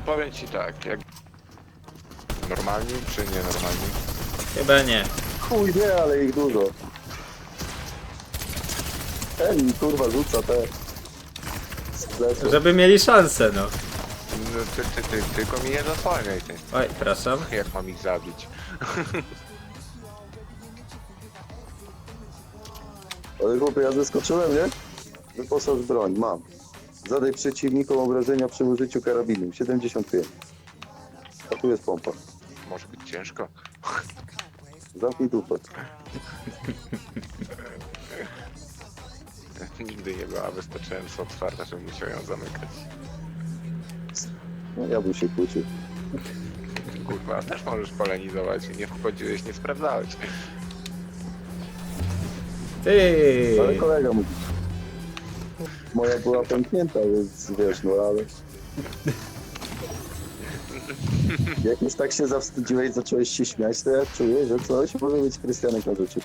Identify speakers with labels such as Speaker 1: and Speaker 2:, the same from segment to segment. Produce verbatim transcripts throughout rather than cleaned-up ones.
Speaker 1: powiem ci tak, jak... Normalni czy nienormalni?
Speaker 2: Chyba nie.
Speaker 3: Chuj nie, ale ich dużo. Ten kurwa rzuca te... Sklepy.
Speaker 2: Żeby mieli szansę, no.
Speaker 1: No, ty, ty, ty, tylko mi nie zasłaniaj, ty.
Speaker 2: Oj, przepraszam.
Speaker 1: Jak mam ich zabić?
Speaker 3: Ale chłopie, ja zeskoczyłem, nie? Wyposaż broń, mam. Zadaj przeciwnikom obrażenia przy użyciu karabinu. siedemdziesiąt pięć. A tu jest pompa.
Speaker 1: Może być ciężko.
Speaker 3: Zamknij dupę.
Speaker 1: Nigdy nie była wystarczająco otwarta, żebym musiał ją zamykać.
Speaker 3: No ja bym się kłócił.
Speaker 1: Kurwa, też możesz polenizować. Nie wchodziłeś, nie sprawdzałeś.
Speaker 2: Ty.
Speaker 3: Ale kolega mówi. Moja była pęknięta, więc wiesz, no ale... Jak już tak się zawstydziłeś, zacząłeś się śmiać, to ja czuję, że coś może być Krystianek na rzeczy.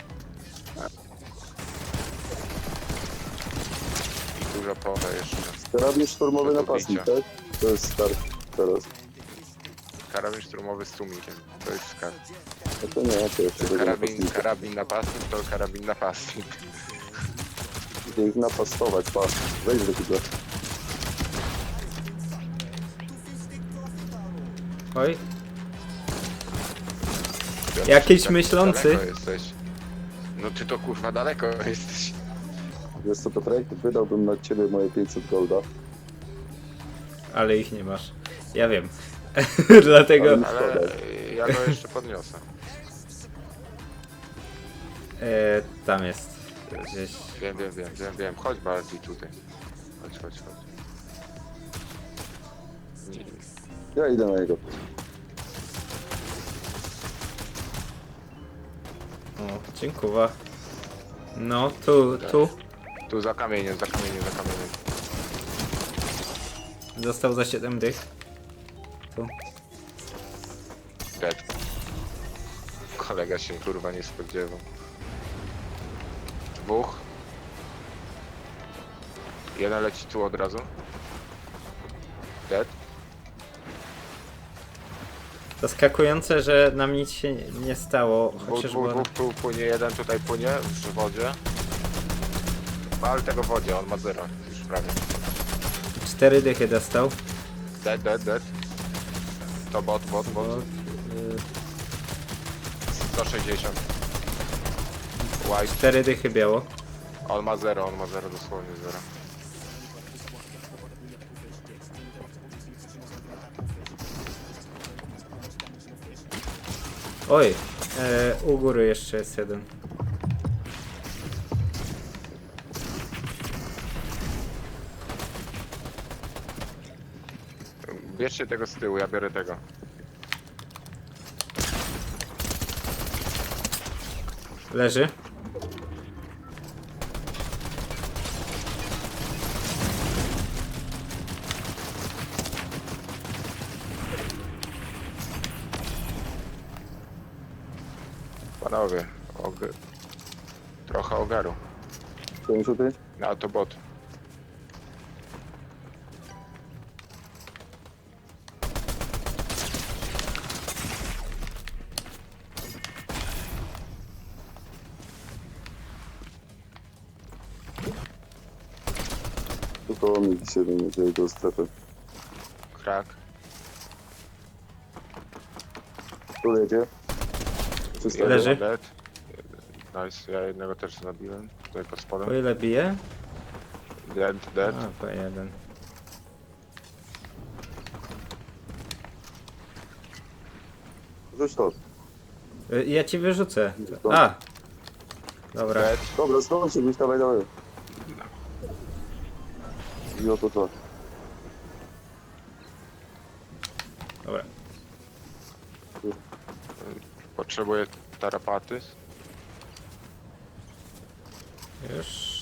Speaker 1: I dużo pola jeszcze.
Speaker 3: Karabin szturmowy napastnik,
Speaker 1: Bicia.
Speaker 3: tak? To jest start teraz.
Speaker 1: Karabin szturmowy z tłumikiem. To jest skarb.
Speaker 3: No to nie, to jeszcze tego
Speaker 1: Karabin,
Speaker 3: napastnika.
Speaker 1: karabin napastnik to karabin napastnik.
Speaker 3: Idę ich napastować, patrz. Wejdź do tego.
Speaker 2: Oj.
Speaker 1: Piotr,
Speaker 2: Jakiś
Speaker 1: tak
Speaker 2: myślący.
Speaker 1: daleko jesteś. No ty to kurwa daleko jesteś.
Speaker 3: Wiesz co, Piotrek? Wydałbym na ciebie moje pięćset golda.
Speaker 2: Ale ich nie masz. Ja wiem. Dlatego
Speaker 3: Ale-
Speaker 1: Ale ja go jeszcze podniosę.
Speaker 2: e, tam jest. Gdzieś.
Speaker 1: Wiem, wiem, wiem, wiem, wiem. Chodź bardziej tutaj. Chodź, chodź, chodź. Nie,
Speaker 3: Ja idę na niego.
Speaker 2: O, dziękuję. No, tu, tu.
Speaker 1: tu za kamieniem, za kamieniem, za kamieniem.
Speaker 2: Został za siedem dych. Tu.
Speaker 1: Dead. Kolega się kurwa nie spodziewał. Dwóch. Jeden leci tu od razu. Dead.
Speaker 2: Zaskakujące, że nam nic się nie stało.
Speaker 1: Dwóch,
Speaker 2: Chociaż
Speaker 1: dwóch,
Speaker 2: było...
Speaker 1: dwóch, tu płynie, jeden tutaj płynie w wodzie. Ale tego w wodzie, on ma zero, już prawie.
Speaker 2: Cztery dychy dostał.
Speaker 1: Dead, dead, dead. To bot, bot, bot.
Speaker 2: Bo, y,
Speaker 1: sto sześćdziesiąt. White.
Speaker 2: cztery dychy biało.
Speaker 1: On ma zero, on ma zero, dosłownie zero.
Speaker 2: Oj, e, u góry jeszcze jest jeden.
Speaker 1: Bierzcie tego z tyłu, ja biorę tego.
Speaker 2: Leży.
Speaker 1: Panowie, og... trochę ogaru.
Speaker 3: pięćdziesiąt pięć?
Speaker 1: A to bot.
Speaker 3: Tu koło mnie dzisiaj będzie do strefy.
Speaker 1: Krak.
Speaker 3: Tu jedzie. Czysto.
Speaker 2: Leży.
Speaker 1: Dead. Nice, ja jednego też zabiłem. Tutaj pod
Speaker 2: Po
Speaker 1: spodem.
Speaker 2: ile bije?
Speaker 1: Dead, dead.
Speaker 2: A, po jeden.
Speaker 3: Rzuć to.
Speaker 2: Y, Ja ci wyrzucę. A! Dobra.
Speaker 1: Dead.
Speaker 3: Dobra, zdąży być, dawaj, dawaj. I oto to.
Speaker 2: Dobra.
Speaker 1: Potrzebuję tarapaty.
Speaker 2: Już.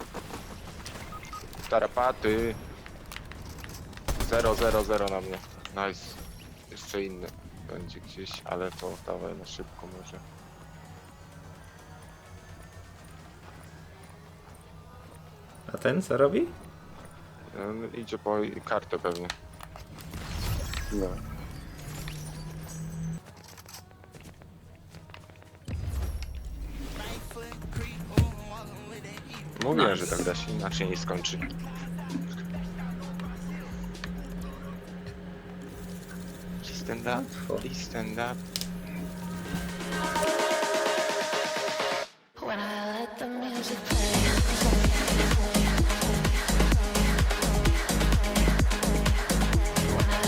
Speaker 1: Tarapaty. Zero, zero, zero na mnie. Nice. Jeszcze inny będzie gdzieś, ale to dawaj na szybko może.
Speaker 2: A ten co robi?
Speaker 1: On idzie po kartę pewnie.
Speaker 3: No.
Speaker 1: Mówiłem,
Speaker 2: Nice.
Speaker 1: że tak da się inaczej nie skończy. Please stand up, please stand up.